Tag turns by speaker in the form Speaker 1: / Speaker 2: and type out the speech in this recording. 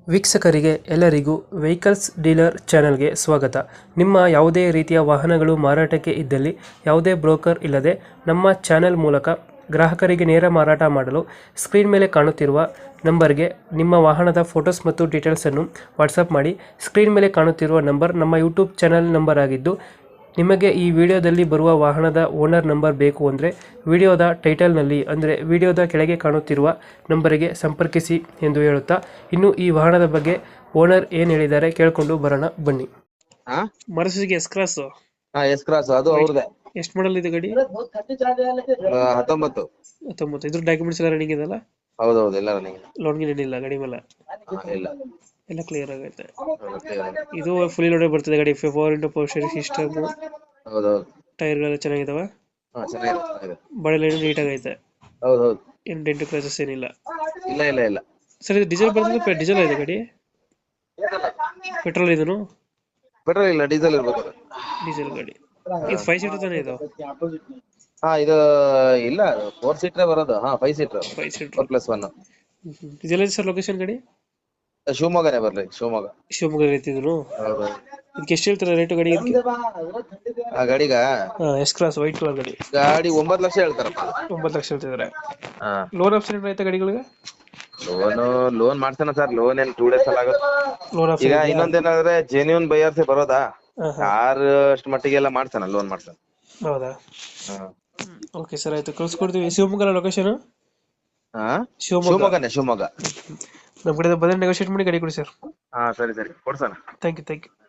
Speaker 1: ವೀಕ್ಷಕರಿಗೆ ಎಲ್ಲರಿಗೂ vehicles dealer ಚಾನೆಲ್ಗೆ ಸ್ವಾಗತ. ನಿಮ್ಮ ಯಾವುದೇ ರೀತಿಯ ವಾಹನಗಳು ಮಾರಾಟಕ್ಕೆ ಇದ್ದಲ್ಲಿ ಯಾವುದೇ ಬ್ರೋಕರ್ ಇಲ್ಲದೆ ನಮ್ಮ ಚಾನೆಲ್ ಮೂಲಕ ಗ್ರಾಹಕರಿಗೆ ನೇರ ಮಾರಾಟ ಮಾಡಲು ಸ್ಕ್ರೀನ್ ಮೇಲೆ ಕಾಣುತ್ತಿರುವ ನಂಬರ್ಗೆ ನಿಮ್ಮ ವಾಹನದ ಫೋಟೋಸ್ ಮತ್ತು ಡೀಟೇಲ್ಸನ್ನು ವಾಟ್ಸಪ್ ಮಾಡಿ. ಸ್ಕ್ರೀನ್ ಮೇಲೆ ಕಾಣುತ್ತಿರುವ ನಂಬರ್ ನಮ್ಮ ಯೂಟ್ಯೂಬ್ ಚಾನೆಲ್ ನಂಬರ್ ಆಗಿದ್ದು, ನಿಮಗೆ ಈ ವಿಡಿಯೋದಲ್ಲಿ ಬರುವ ವಾಹನದ ಓನರ್ ನಂಬರ್ ಬೇಕು ಅಂದರೆ ವಿಡಿಯೋದ ಟೈಟಲ್ನಲ್ಲಿ ಅಂದರೆ ವಿಡಿಯೋದ ಕೆಳಗೆ ಕಾಣುತ್ತಿರುವ ನಂಬರಿಗೆ ಸಂಪರ್ಕಿಸಿ ಎಂದು ಹೇಳುತ್ತಾ, ಇನ್ನು ಈ ವಾಹನದ ಬಗ್ಗೆ ಓನರ್ ಏನು ಹೇಳಿದ್ದಾರೆ ಕೇಳಿಕೊಂಡು ಬರೋಣ ಬನ್ನಿ.
Speaker 2: ಹಾ
Speaker 1: ಮರ್ಸಿಗೆ ಎಸ್ ಕ್ರಾಸ್
Speaker 2: ಎಸ್ ಕ್ರಾಸ್ ಅದು ಅವ್ರದೇ.
Speaker 1: ಎಷ್ಟು ಮಾಡಲ್ ಇದೆ ಗಾಡಿ?
Speaker 2: 19.
Speaker 1: 19. ಇದ್ರ ಡಾಕ್ಯುಮೆಂಟ್ಸ್ ಎಲ್ಲ ರನ್ನಿಂಗ್ ಇದೆಲ್ಲ?
Speaker 2: ಹೌದೌದು, ಎಲ್ಲ ನನಗೆ
Speaker 1: ಲೋನ್ಗೆ ಏನಿಲ್ಲ ಗಾಡಿ ಮೇಲೆ?
Speaker 2: ಇಲ್ಲ.
Speaker 1: ಎಲ್ಲ ಕ್ಲಿಯರ್ ಆಗೈತೆ.
Speaker 2: ಮತ್ತೆ
Speaker 1: ಇದು ಫುಲ್ ಲೋಡೆಡ್ ಬರ್ತದೆ ಗಾಡಿ, 4 ಪವರ್ ಸ್ಟೇರಿಂಗ್ ಸಿಸ್ಟಮ್,
Speaker 2: ಹೌದೌದು.
Speaker 1: ಟೈರ್ಗಳೆಲ್ಲ ಚೆನ್ನಾಗಿದಾವ,
Speaker 2: ಚೆನ್ನಾಗಿದೆ.
Speaker 1: ಬಾಡಿ ಲೈನ್ ನೀಟಾಗೈತೆ,
Speaker 2: ಹೌದೌದು.
Speaker 1: ಏನು ಡೆಂಟ್ ಕ್ರಾಚಸ್ ಏನಿಲ್ಲ.
Speaker 2: ಇಲ್ಲ ಇಲ್ಲ ಇಲ್ಲ.
Speaker 1: ಸರ್ ಇದು ಡೀಸೆಲ್ ಬರ್ತದೆ, ಡೀಸೆಲ್ ಇದೆ ಗಾಡಿ? ಪೆಟ್ರೋಲ್ ಇದನ್ನು?
Speaker 2: ಪೆಟ್ರೋಲ್ ಇಲ್ಲ, ಡೀಸೆಲ್ ಇರ್ಬೇಕು ಅದು.
Speaker 1: ಡೀಸೆಲ್ ಗಾಡಿ. ಇದು 5 ಸೀಟರ್ ತಾನೇ ಇದು?
Speaker 2: ಇದು ಇಲ್ಲ, 4 ಸೀಟರ್ ಬರೋದು. 5 ಸೀಟರ್,
Speaker 1: 5 ಸೀಟರ್
Speaker 2: 4+1.
Speaker 1: ಇದೆಲ್ಲ ಸರ್ ಲೊಕೇಶನ್ ಗಾಡಿ?
Speaker 2: ಶಿವಮೊಗ್ಗನೇ ಬರ್ಲಿ, ಶಿವಮೊಗ್ಗ.
Speaker 1: ಶಿವಮೊಗ್ಗ ಐತಿದ್ರು.
Speaker 2: ಹೌದು.
Speaker 1: ಇದಕ್ಕೆ ಎಷ್ಟು ಹೇಳ್ತಾರೆ ರೇಟು ಗಾಡಿ?
Speaker 2: ಆ ಗಾಡಿಗ
Speaker 1: ಎಸ್ ಕ್ರಾಸ್ ವೈಟ್ ಕಲರ್ ಗಾಡಿ.
Speaker 2: ಗಾಡಿ 9 ಲಕ್ಷ ಹೇಳ್ತಾರಪ್ಪ.
Speaker 1: 9 ಲಕ್ಷ ಹೇಳ್ತಿದ್ದಾರೆ.
Speaker 2: ಹಾ,
Speaker 1: ಲೋನ್ ಆಪ್ಷನ್ ಐತೆ ಗಾಡಿಗಳಿಗೆ?
Speaker 2: ಲೋನ್ ಮಾಡ್ತಾನ ಸರ್. ಲೋನ್ ಏನ್ 2 ಡೇಸ್ ಅಲ್ಲಿ ಆಗುತ್ತೆ.
Speaker 1: ಲೋನ್
Speaker 2: ಈಗ
Speaker 1: ಆಪ್ಷನ್?
Speaker 2: ಇನ್ನೊಂದೇನಾದ್ರೆ ಜೆನ್ಯೂನ್ ಬೈಯರ್ಸೇ ಬರೋದಾ,
Speaker 1: ಹಾ.
Speaker 2: ಕಾರ್ ಅಷ್ಟು ಮಟ್ಟಿಗೆಲ್ಲ ಮಾಡ್ತಾನ, ಲೋನ್ ಮಾಡ್ತಾನ.
Speaker 1: ಹೌದಾ?
Speaker 2: ಹಾ.
Speaker 1: ಓಕೆ ಸರ್, ಆಯ್ತು ಕಳ್ಸ್ಕೊಡ್ತೀವಿ. ಶಿವಮೊಗ್ಗ ಲೊಕೇಶನ್?
Speaker 2: ಹಾ,
Speaker 1: ಶಿವಮೊಗ್ಗ.
Speaker 2: ಶಿವಮೊಗ್ಗ.
Speaker 1: ನಮ್ಮ ಕಡೆ ಬಂದ್ರೆ ನೆಗೋಷಿಯೇಟ್ ಮಾಡಿ ಗಾಡಿ ಕೊಡಿ ಸರ್.
Speaker 2: ಹಾ, ಸರಿ ಸರಿ, ಕೊಡ್ಸೋಣ.
Speaker 1: Thank you.